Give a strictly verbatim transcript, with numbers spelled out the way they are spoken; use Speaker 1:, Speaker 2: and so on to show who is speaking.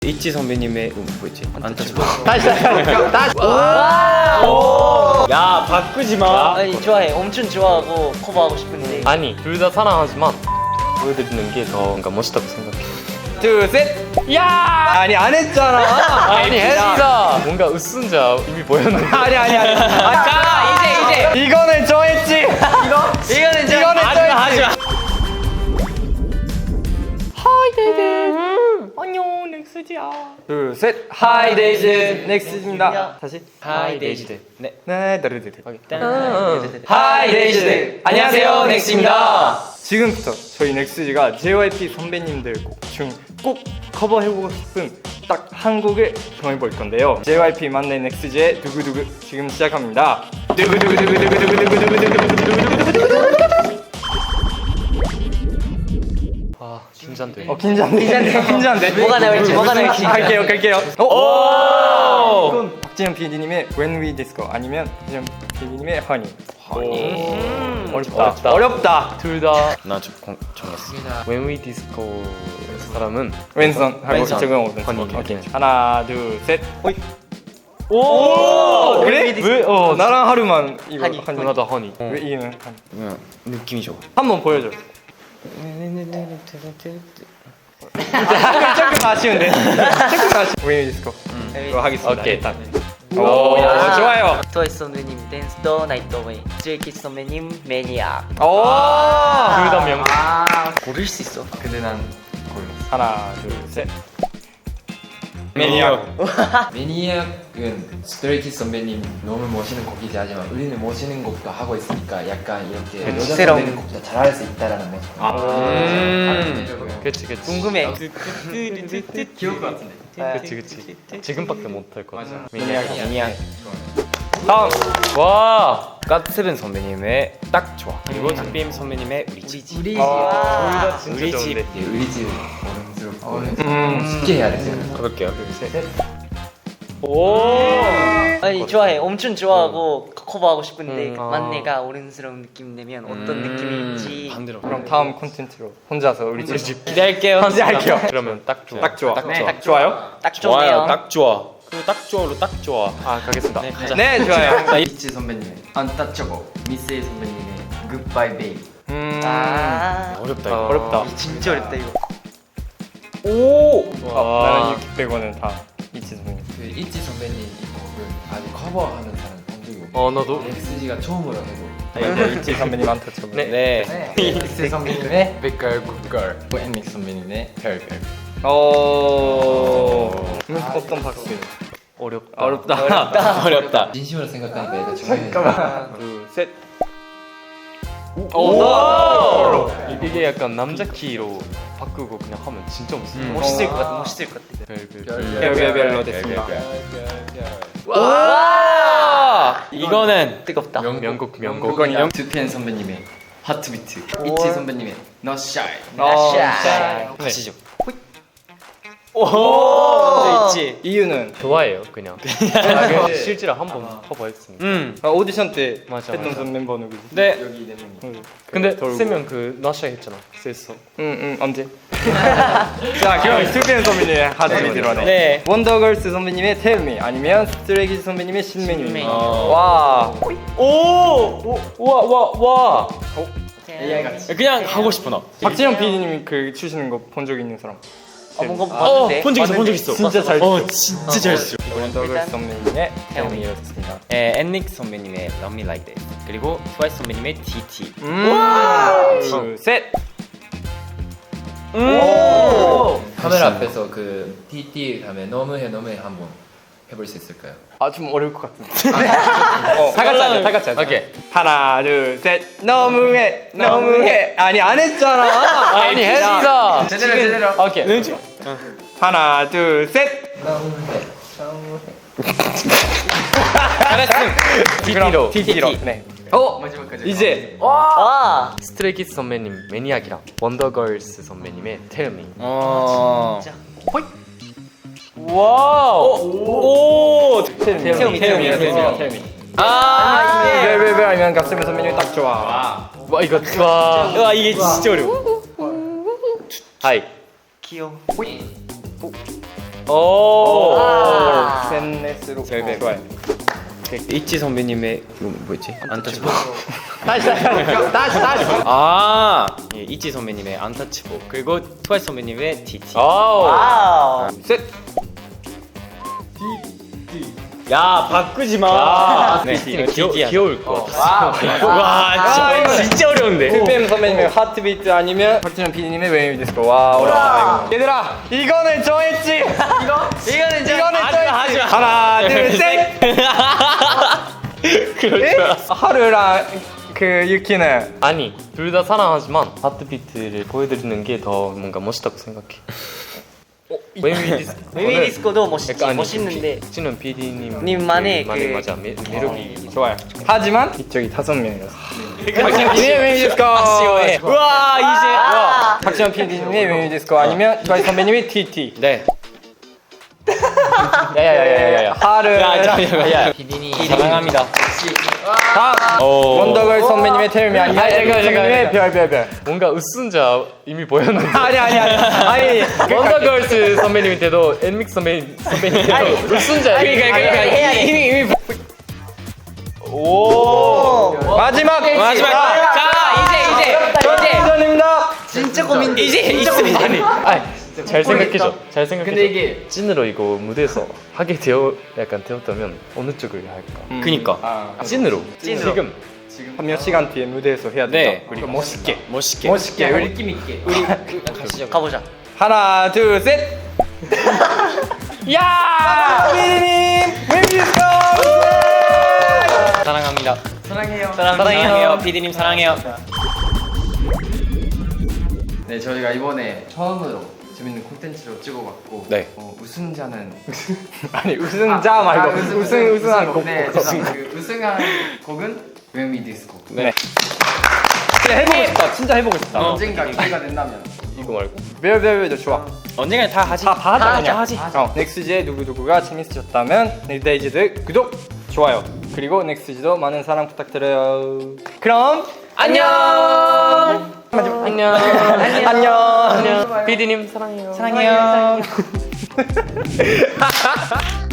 Speaker 1: 이치 선배님의 음, 뭐였지? 안타치고.
Speaker 2: 다시 다시 다시.
Speaker 1: 야 바꾸지 마.
Speaker 3: 아니 좋아해. 엄청 좋아하고 커버하고 싶은데.
Speaker 2: 아니 둘 다 사랑하지만 보여드리는 게 더 뭔가 멋있다고 생각해.
Speaker 1: 둘 셋.
Speaker 2: 야!
Speaker 1: 아니 안 했잖아.
Speaker 2: 아니 했어. 뭔가 으쓴자 이미 보였는데.
Speaker 1: 아니 아니 아니. 아,
Speaker 3: 자 이제 이제
Speaker 1: 이거는 저 했지. 이거
Speaker 3: 이거는 좀
Speaker 1: 이거는 저 했지.
Speaker 2: 안녕 넥스지야.
Speaker 1: 둘 셋. 하이 데이즈 넥스입니다. 다시.
Speaker 2: 하이 데이지들.
Speaker 1: 네. 네. 다르르르.
Speaker 3: 하이
Speaker 1: 데이즈들. 안녕하세요 넥스입니다. 지금부터 저희 넥스지가 제이와이피 선배님들 곡 중 꼭 커버해보고 싶은 딱 한 곡을 정해볼 건데요. 제이와이피 만내 넥스지의 두구두구 지금 시작합니다.
Speaker 2: 아 긴장돼.
Speaker 1: 어 긴장돼. 긴장돼. 긴장돼.
Speaker 3: 뭐가 나올지 뭐가 나올지.
Speaker 1: 갈게요, 갈게요. 오! 이건 박진영 피디님의 When We Disco 아니면 박진영 피디님의 Honey.
Speaker 2: 음,
Speaker 1: 어렵다.
Speaker 2: 어렵다.
Speaker 1: 어렵다.
Speaker 2: 둘 다
Speaker 1: 나좀 정했어.
Speaker 2: When We Disco 사람은
Speaker 1: 왼손 하고
Speaker 2: 왼손.
Speaker 1: 적응 오른손.
Speaker 2: Honey.
Speaker 1: 오케이. 하나, 둘, 셋. 호이.
Speaker 2: 오!
Speaker 1: 그래? 왜? 어 나랑 하루만 이거
Speaker 3: Honey.
Speaker 1: Honey.
Speaker 2: 누나도 허니.
Speaker 1: 왜 이는
Speaker 4: 그냥 느낌이 좋아.
Speaker 1: 한번 보여줘. 조금 아쉬운데. 조금 아쉬. When We Disco. 이거 하겠습니다.
Speaker 2: 오케이.
Speaker 1: 일단.
Speaker 2: 오,
Speaker 1: 오,
Speaker 3: 야.
Speaker 1: 좋아요.
Speaker 3: 트와이스 선배님 댄스 더 나이트 어웨이. 스트레이키즈 선배님 매니아.
Speaker 1: 오.
Speaker 2: 둘 다 명곡.
Speaker 3: 고를 수 있어.
Speaker 4: 근데 난 골랐어.
Speaker 1: 하나, 둘, 셋. 매니악.
Speaker 4: 매니악은 스트레이키즈 선배님 너무 멋있는 곡이지 하지만 우리는 멋있는 곡도 하고 있으니까 약간 이렇게 여자
Speaker 3: 새로운-
Speaker 4: 선배님 곡도 잘할 수 있다라는 모습.
Speaker 2: 음. 그치 그치.
Speaker 3: 궁금해.
Speaker 4: 귀여울 것 같은데.
Speaker 2: 그치 그치. 지금밖에 못할 것 같아.
Speaker 1: 매니악.
Speaker 4: 매니악.
Speaker 1: 다음.
Speaker 2: 와.
Speaker 1: 갓세븐 선배님의 딱 좋아. 그리고 닭빔 선배님의 우리 집.
Speaker 3: 우리
Speaker 1: 아,
Speaker 2: 진짜
Speaker 1: 우리 집.
Speaker 2: 좋은데.
Speaker 4: 우리 집 어른스럽고
Speaker 1: 음.
Speaker 4: 쉽게 해야 되잖아.
Speaker 1: 가볼게요.
Speaker 2: 둘 셋. 오.
Speaker 3: 아니 좋아해. 엄청 좋아하고 커버하고 싶은데
Speaker 2: 음, 아.
Speaker 3: 만내가 어른스러운 느낌 내면 어떤 느낌일지.
Speaker 1: 반대로. 그럼 다음 콘텐츠로 혼자서 우리 집.
Speaker 2: 기대할게요.
Speaker 1: 기대할게요.
Speaker 2: 그러면 딱 좋아.
Speaker 1: 딱 좋아.
Speaker 2: 딱
Speaker 3: 네,
Speaker 2: 좋아.
Speaker 3: 딱
Speaker 1: 좋아요?
Speaker 3: 딱 좋네요.
Speaker 1: 딱 좋아. 그 딱 좋아로 딱 좋아.
Speaker 2: 아 가겠습니다.
Speaker 1: 네, 가자. 네, 좋아요.
Speaker 4: 이치 선배님의 Untouchable, 미스에이 선배님의 Goodbye Babe.
Speaker 1: 음.
Speaker 3: 아,
Speaker 2: 어렵다
Speaker 1: 어,
Speaker 2: 이거.
Speaker 1: 어렵다.
Speaker 3: 이거 진짜 어렵다 이거.
Speaker 1: 오.
Speaker 2: 와.
Speaker 1: 아, 나는 육십 백원은 다 이치 선배님.
Speaker 4: 그 이치 선배님 이 곡을 아직 커버하는 사람 본 적이 없고
Speaker 2: 어 나도.
Speaker 4: 엑스지가 처음으로 해서
Speaker 1: 네, 이치 선배님 안타쳐보.
Speaker 2: 네.
Speaker 1: 네.
Speaker 4: 엑스 선배님의 백걸 굿걸, 앤믹 선배님의 별별.
Speaker 1: 오. 음, 어떤 박수?
Speaker 2: 어렵다.
Speaker 1: 어렵다. 어렵다. 어렵다.
Speaker 4: 진심으로 생각하니까 얘가 중요해.
Speaker 1: 하나, 둘, 셋.
Speaker 2: 오! 이- 이게 약간 남자 키로 바꾸고 그냥 하면 진짜 멋있어.
Speaker 3: 멋있을 것 같아. 멋있을 것 같아.
Speaker 2: 별별.
Speaker 1: 별별별로 됐습니다.
Speaker 3: 와!
Speaker 1: 이거는
Speaker 3: 뜨겁다.
Speaker 2: 명곡 명곡.
Speaker 4: 명곡이랑 투피엔 선배님의 하트비트, 이치 선배님의 No Shy.
Speaker 1: 어,
Speaker 3: 샤이.
Speaker 1: 가시죠.
Speaker 3: 오!
Speaker 1: 있지. 이유는
Speaker 2: 좋아해요 그냥. 아, 실제로 한번 커버했습니다.
Speaker 1: 음. 아, 오디션 때
Speaker 2: 맞아,
Speaker 1: 했던
Speaker 2: 맞아.
Speaker 1: 전 멤버 누구지?
Speaker 4: 네. 여기 네 명이.
Speaker 1: 응.
Speaker 2: 근데
Speaker 1: 돌고.
Speaker 2: 세명 그 나샤 했잖아. 셌어.
Speaker 1: 응응 언제? 자 그럼 스피엔 선배님의 하트비트로 하네.
Speaker 3: 네.
Speaker 1: 원더걸스 선배님의 Tell Me 아니면 스트레이키즈 선배님의 신메뉴.
Speaker 3: 신메뉴.
Speaker 1: 와.
Speaker 2: 오! 와 와 와.
Speaker 4: 에이아이 같이.
Speaker 1: 그냥 하고 싶어 나. 박진영 피디님이 그 추시는 거 본 적 있는 사람.
Speaker 3: 어, 뭔가 봤는데.
Speaker 1: 본 적 있어, 본 적 있어. 진짜 잘. 어, 진짜 잘 써. 원더걸스
Speaker 3: 일단
Speaker 1: 선배님의 Tell Me였습니다.
Speaker 5: 에, 앤닉 선배님의 Love Me Like That 그리고 트와이스 선배님의 티티
Speaker 1: 음. 둘, 셋.
Speaker 4: 카메라 앞에서 그 티티 다음에 너무해 너무해 한번 해볼 수 있을까요?
Speaker 1: 아 좀 어려울 것 같은데. 어, 다 같이 하자, 다 같이 하자.
Speaker 2: 오케이.
Speaker 1: 하나, 둘, 셋. 너무해, 너무해. 아니 안 했잖아.
Speaker 2: 아니 했어.
Speaker 4: 제대로 제대로.
Speaker 2: 오케이.
Speaker 1: 하나, 둘, 셋.
Speaker 4: 너무해.
Speaker 2: 티티로.
Speaker 1: 티티로. 네. 어,
Speaker 4: 마지막까지.
Speaker 1: 이제
Speaker 3: 와!
Speaker 2: 스트레이키즈 선배님 매니악이랑 원더걸스 선배님의 Tell Me.
Speaker 1: 어.
Speaker 3: 진짜.
Speaker 2: 와우. 오.
Speaker 1: 태음이,
Speaker 3: 태음이, 태음이,
Speaker 1: 태음이, 태음이. 아, 왜왜왜 아니면 갑자기 선배님이 딱 좋아.
Speaker 2: 와 이거 와.
Speaker 1: 와 이게 진짜 어려워.
Speaker 2: 하이.
Speaker 3: 귀여워.
Speaker 2: 오.
Speaker 3: 아.
Speaker 1: 샌넷으로
Speaker 5: 셀백.
Speaker 1: 좋아요.
Speaker 5: 이치 선배님의 이거 뭐였지? 안타치보.
Speaker 1: 다시 다시 다시 다시.
Speaker 5: 아, 예, 이치 선배님의 안타치보. 그리고 트와이스 선배님의 티티.
Speaker 2: 아우.
Speaker 3: 와우.
Speaker 1: 셋.
Speaker 5: 야, 바꾸지 마. 네,
Speaker 2: 귀여,
Speaker 5: 티티.
Speaker 2: 귀여울 것 같아.
Speaker 5: 와,
Speaker 1: 아, 이거
Speaker 5: 진짜, 진짜 어려운데.
Speaker 1: 투피엠 선배님의 하트비트 아니면 박진영 피디님의 웨이브 디스코. 와 어렵다 이거. 얘들아 이거는 정했지. 이거
Speaker 3: 이거는 좀
Speaker 1: 이거는
Speaker 5: 하지 마, 하지
Speaker 1: 정했지.
Speaker 5: 마.
Speaker 1: 하나 둘 셋.
Speaker 5: 그렇죠.
Speaker 1: 하루랑 그 유키는
Speaker 2: 아니, 둘 다 사랑하지만 하트비트를 보여드리는 게 더 뭔가 멋있다고 생각해. 웨이비 디스코.
Speaker 3: 웨이비 디스코도 멋있지.
Speaker 2: 약간
Speaker 3: 멋있는데
Speaker 2: 박진원 피디님
Speaker 3: 님만의
Speaker 2: 만의
Speaker 3: 그-
Speaker 2: 맞아 매, 매력이
Speaker 1: 좋아요. 하지만 이쪽이 다섯 명이었어. 박진영 피디님의 웨이브 디스코.
Speaker 5: 아쉬워해. 우와, 이제. 와.
Speaker 1: 박진영 피디님의 웨이브 디스코 아니면 트와이스 선배님의 티티.
Speaker 5: 네.
Speaker 2: 야야야야야.
Speaker 1: 하루.
Speaker 5: 야, 잠깐만. 야,
Speaker 3: 피디님
Speaker 5: 사랑합니다.
Speaker 1: 다음
Speaker 5: 오.
Speaker 1: 원더걸 선배님의 텔미 아니면
Speaker 2: 아, 잠깐, 잠깐,
Speaker 1: 선배님의
Speaker 2: 잠깐.
Speaker 1: 별별별.
Speaker 2: 뭔가 으쓴자 이미 보였는데.
Speaker 1: 아니 아니 아니 아니.
Speaker 2: 원더걸스 선배님한테도 엔믹 선배님 선배님한테도 으쓴자.
Speaker 5: 그러니까, 그러니까,
Speaker 3: 해야 돼.
Speaker 5: 이미, 이미.
Speaker 1: 오 마지막
Speaker 5: 마지막. 자, 이제, 이제, 이제.
Speaker 1: 전입니다.
Speaker 3: 진짜 고민.
Speaker 5: 이제 있으면
Speaker 2: 아니, 아니 잘 생각해줘. 잘 생각해줘.
Speaker 4: 근데 이게
Speaker 2: 찐으로 이거 무대에서 하게 되어 약간 되었다면 어느 쪽을 할까?
Speaker 5: 그니까.
Speaker 1: 아,
Speaker 2: 찐으로.
Speaker 3: 찐으로.
Speaker 2: 지금
Speaker 1: 한 몇 시간 뒤에 무대에서 해야 된다.
Speaker 5: 네.
Speaker 1: 우리 멋있게.
Speaker 5: 멋있게.
Speaker 1: 멋있게. 우리
Speaker 4: 느낌 있게.
Speaker 5: 가시죠.
Speaker 3: 가보자.
Speaker 1: 하나 둘 셋. 야! 피디님 웨이브
Speaker 5: 사랑합니다.
Speaker 3: 사랑해요.
Speaker 5: 사랑해요. 피디님 사랑해요.
Speaker 4: 네, 저희가 이번에 처음으로 재밌는 콘텐츠로 찍어봤고
Speaker 5: 네.
Speaker 4: 어, 우승자는
Speaker 1: 아니 우승자 말고
Speaker 4: 아,
Speaker 1: 우승 우승 우승한 곡.
Speaker 4: 네, 죄송합니다. 그 우승한 곡은 웨미 디스코.
Speaker 1: 네. 진짜 해보고 싶다. 진짜 해보고 싶다.
Speaker 4: 언젠가 기회가 된다면
Speaker 2: 이거 말고.
Speaker 1: 별별별도 좋아.
Speaker 5: 언젠가 다 하지.
Speaker 1: 다 봐자
Speaker 5: 다
Speaker 1: 그냥.
Speaker 5: 하지.
Speaker 1: 어, 넥스지의 누구누구가 재밌으셨다면 넥데이즈들 구독, 좋아요. 그리고 넥스지도 많은 사랑 부탁드려요. 그럼
Speaker 3: 안녕.
Speaker 2: 안녕.
Speaker 1: 안녕.
Speaker 2: 안녕. 피디님 사랑해요.
Speaker 3: 사랑해요.